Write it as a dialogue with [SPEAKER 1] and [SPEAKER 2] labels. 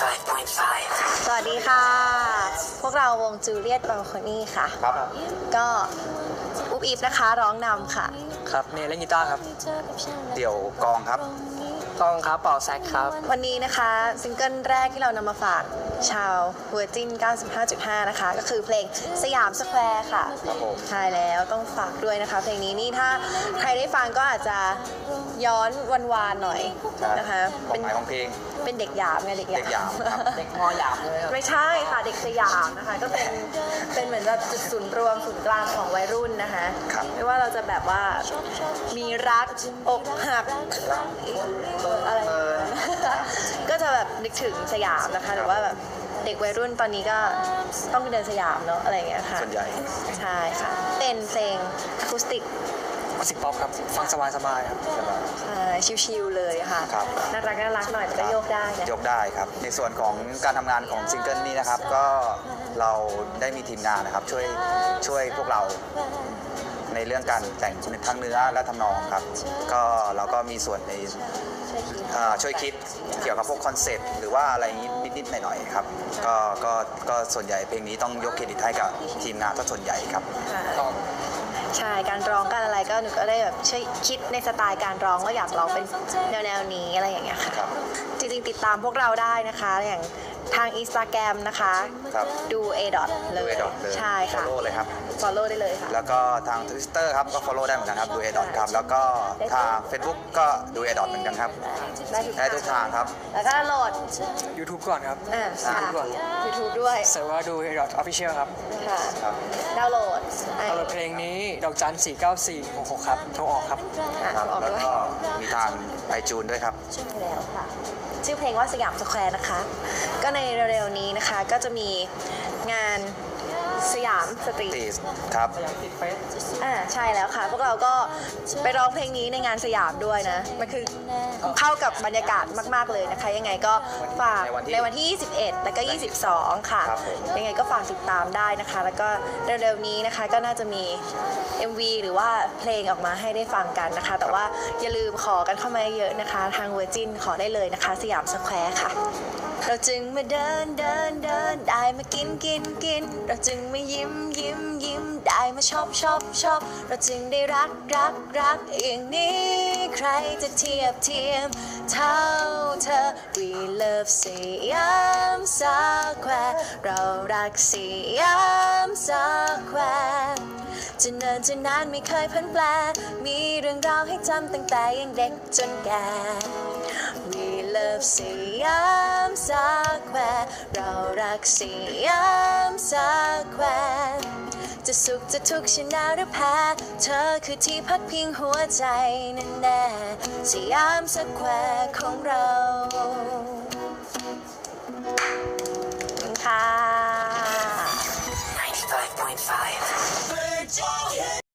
[SPEAKER 1] สวัสดีค่ะ พวกเราวงจูเลียตบาลคอนี่ค่ะ
[SPEAKER 2] ครับ
[SPEAKER 1] ก็อุ๊บอิ๊บนะคะร้องนำค่ะ
[SPEAKER 3] ครับเนเล่นกีตาร์ครับ
[SPEAKER 2] เดี่ยวกองครับ
[SPEAKER 3] ต้องครับเป่าแซกครับ
[SPEAKER 1] วันนี้นะคะซิงเกิลแรกที่เรานำมาฝากชาวเวอร์จิน 95.5 นะคะ ก็คือเพลงสยามสแควร์ค่ะ
[SPEAKER 2] ครับผม
[SPEAKER 1] ใช่แล้วต้องฝากด้วยนะคะ เพลงนี้นี่ถ้าใครได้ฟังก็อาจจะย้อนวันวานหน่อยนะคะ
[SPEAKER 2] ความหมายของเพลง
[SPEAKER 1] เป็นเด็กหยาบไงเด็กหยาบ
[SPEAKER 2] เด็กหยาบครับ
[SPEAKER 3] เด็กมอหยาบเลยครับ
[SPEAKER 1] ไม่ใช่ค่ะเด็กสยามนะคะก็เป็นเหมือนแบบจุดศูนย์รวมศูนย์กลางของวัยรุ่นนะคะ
[SPEAKER 2] ครับ
[SPEAKER 1] ไม่ว่าเราจะแบบว่ามีรักอกหักอะไรก็จะแบบนึกถึงสยามนะคะหรือว่าแบบเด็กวัยรุ่นตอนนี้ก็ต้องเดินสยามเนาะอะไรอย่างเงี้ยค่ะ
[SPEAKER 2] ส่วนใหญ่
[SPEAKER 1] ใช่ค่ะเป็นเพลงอะคูสติก
[SPEAKER 3] มิวสิกป๊อปครับ ฟังสบายๆครับ
[SPEAKER 1] ใช่ชิลๆเลยค่ะ
[SPEAKER 2] ครับ
[SPEAKER 1] น่ารักน่ารักหน่อยแต่ก็โยกได้นะ
[SPEAKER 2] ยกได้ครับ ในส่วนของการทำงานของซิงเกิลนี้นะครับ ก็เราได้มีทีมงานนะครับช่วยพวกเราในเรื่องการแต่งทั้งเนื้อและทำนองครับ ก็เราก็มีส่วนในช่วยคิดเกี่ยวกับพวกคอนเซ็ปต์หรือว่าอะไรอย่างนี้นิดๆหน่อยๆครับก็ส่วนใหญ่เพลงนี้ต้องยกเครดิตให้กับทีมงานซะส่วนใหญ่ครับ
[SPEAKER 1] ค่ะใช่การร้องการอะไรก็หนูก็ได้แบบช่วยคิดในสไตล์การร้องว่าอยากร้องเป็นแนวนี้อะไรอย่างเงี้ยค่ะ
[SPEAKER 2] ครับ
[SPEAKER 1] จริงๆติดตามพวกเราได้นะคะอย่างทาง Instagram นะคะ
[SPEAKER 2] ครับ
[SPEAKER 1] ดู A. เล
[SPEAKER 2] ดู
[SPEAKER 1] ย
[SPEAKER 2] เอดอทเลย
[SPEAKER 1] ใช่ค่ะ
[SPEAKER 2] follow เลยครับ
[SPEAKER 1] follow ได้เลยค่ะ
[SPEAKER 2] แล้วก็ทาง Twitter ครับก็ follow ได้เหมือนกันครับดูเอดอทครับ แล้วก็ทาง Facebook ก็ดูเอดอทเหมือนกันครับ ได้ทุกทางครับ
[SPEAKER 1] แล้วก็โหลด
[SPEAKER 3] YouTube ก่อนครับ
[SPEAKER 1] ค่ะ
[SPEAKER 3] ก่อน
[SPEAKER 1] YouTube ด้วย
[SPEAKER 3] เสิร์ชว่าดู Dot Official ครับ
[SPEAKER 1] ค่ะ
[SPEAKER 2] ครับ
[SPEAKER 1] ดาวน์โหลด
[SPEAKER 3] เอาเพลงนี้ดอกจัน49466ครับโทรออกครับ
[SPEAKER 2] ครับ
[SPEAKER 1] ออก
[SPEAKER 2] แล้ว
[SPEAKER 1] ด้วย
[SPEAKER 2] ก็มีทางไอจูนด้วยครับ
[SPEAKER 1] ใช่แล้วค่ะชื่อเพลงว่าสยามสแควร์นะคะ ก็ในเร็วๆนี้นะคะก็จะมีงานสยามสตรีท
[SPEAKER 2] ตีครับ
[SPEAKER 1] ใช่แล้วค่ะ พวกเราก็ไปร้องเพลงนี้ในงานสยามด้วยนะ มันคือเข้ากับบรรยากาศมากๆเลยนะคะ ยังไงก็ฝากในวันที่ 21 แล้วก็ 22 ค่ะ
[SPEAKER 2] ครับผม
[SPEAKER 1] ยังไงก็ฝากติดตามได้นะคะ แล้วก็เร็วๆนี้นะคะก็น่าจะมี MV หรือว่าเพลงออกมาให้ได้ฟังกันนะคะ แต่ว่าอย่าลืมขอกันเข้ามาเยอะนะคะ ทางเวอร์จินขอได้เลยนะคะ สยามสแควร์ค่ะ เราจึงมาเดินได้มากินเราจึงมายิ้มได้มาชอบเราจึงได้รักอย่างนี้ใครจะเทียบเท่าเธอ We love สยามสแควร์เรารักสยามสแควร์จะเนินจะนานไม่เคยพันแปรมีเรื่องราวให้จำตั้งแต่ยังเด็กจนแก่ We love สยามสแควร์เรารักสยามสแควร์จะสุขจะทุกข์ชนะหรือแพ้เธอคือที่พักพิงหัวใจนั่นแน่สยามสแควร์ของเราค่ะ